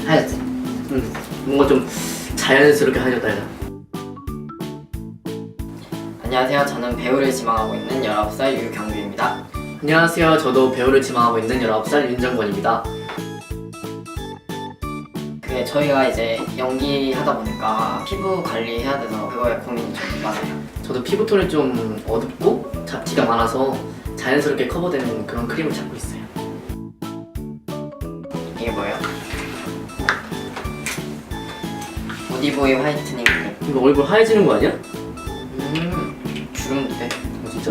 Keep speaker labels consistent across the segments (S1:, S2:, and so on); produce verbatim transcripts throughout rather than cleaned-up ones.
S1: 하얗지?
S2: 음, 뭔가 좀 자연스럽게 하얘졌다 해야 되나?
S1: 안녕하세요. 저는 배우를 지망하고 있는 열아홉 살 유경규입니다.
S2: 안녕하세요. 저도 배우를 지망하고 있는 열아홉 살 윤정권입니다.
S1: 그게 저희가 이제 연기하다 보니까 피부 관리해야 돼서 그거에 고민이 좀 많아요.
S2: 저도 피부톤이 좀 어둡고 잡티가 많아서 자연스럽게 커버되는 그런 크림을 찾고 있어요.
S1: 이게 뭐예요? 보디보이 화이트닝 크림.
S2: 이거 얼굴 하얘지는 거 아니야?
S1: 음, 주름대.
S2: 어, 진짜?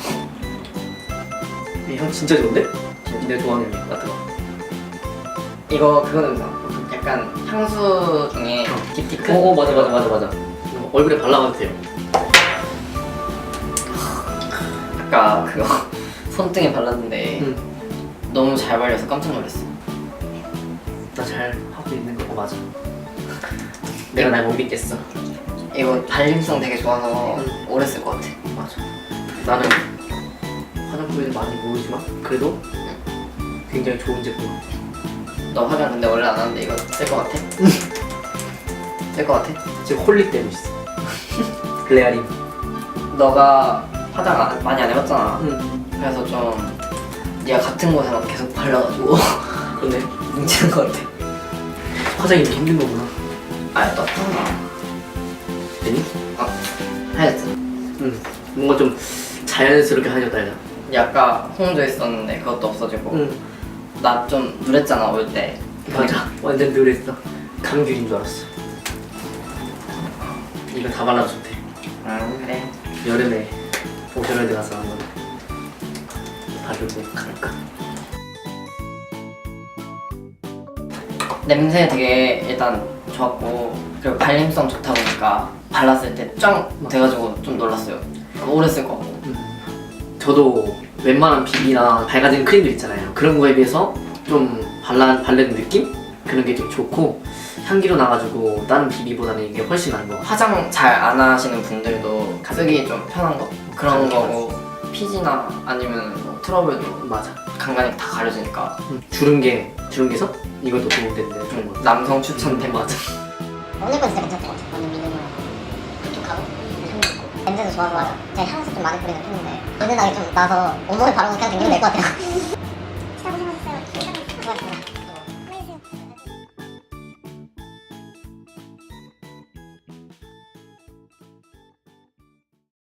S2: 이 향 진짜 좋은데? 내 좋아하는 향 같은 거.
S1: 이거 그거 냄새. 약간 향수 중에
S2: 어.
S1: 딥티크?
S2: 어, 어 맞아 맞아 맞아 맞아. 이거 얼굴에 발라봐도 돼요.
S1: 아까 그거 손등에 발랐는데
S2: 응.
S1: 너무 잘 발려서 깜짝 놀랐어.
S2: 나 잘 하고 있는 거 맞아. 내가 날 못 믿겠어.
S1: 이거 발림성 되게 좋아서
S2: 응.
S1: 오래 쓸 것 같아.
S2: 맞아. 나는 화장품에는 많이 모르지만 그래도 굉장히 좋은 제품 같아.
S1: 너 화장 근데 원래 안 하는데 이거 쓸 것 같아? 쓸 것 같아?
S2: 지금 홀릭되고 있어. 레아림.
S1: 너가 화장 안- 많이 안 해봤잖아.
S2: 응.
S1: 그래서 좀 네가 같은 곳에만 계속 발라가지고
S2: 그러네.
S1: 뭉치는 것 같아.
S2: 화장이 이렇게 힘든 거구나.
S1: 아니 떴잖아.
S2: 되니?
S1: 어, 하얗지?
S2: 응. 뭔가 좀 자연스럽게 하얘졌다 해야 되나?
S1: 근데 아까 홍조 있었는데 그것도 없어지고
S2: 응.
S1: 나 좀 누랬잖아 올 때.
S2: 맞아. 완전 느랬어. 감귤인 줄 알았어. 이거 다 발라도 좋대.
S1: 응 그래.
S2: 여름에 오션월드 가서 한번 바르고 갈까?
S1: 냄새 되게 일단 좋았고 그리고 발림성 좋다 보니까 발랐을 때 짱 돼가지고 좀 놀랐어요. 오래 쓸 것 같고.
S2: 저도 웬만한 비비나 밝아지는 크림들 있잖아요. 그런 거에 비해서 좀 발라, 바르는 느낌? 그런 게 되게 좋고 향기로 나가지고 다른 비비보다는 이게 훨씬 나은 거 같아요.
S1: 화장 잘 안 하시는 분들도 쓰기 좀 편한 거 그런
S2: 맞아,
S1: 거고 피지나 아니면 뭐 트러블도
S2: 맞아.
S1: 간간히 다 가려지니까
S2: 음, 주름개, 주름개서 이것도 도움되는데 좋은 거.
S1: 남성 추천템.
S2: 맞아.
S3: 오늘 건 진짜 괜찮던 것 같아요. 완전 미니멀 촉촉하고 향도 있고 냄새도 좋아서 맞아. 제가 향수 좀 많이 뿌리는 편인데 은은하게 좀 나서 온몸에 바르면 그냥 댕기면 될 것 같아요.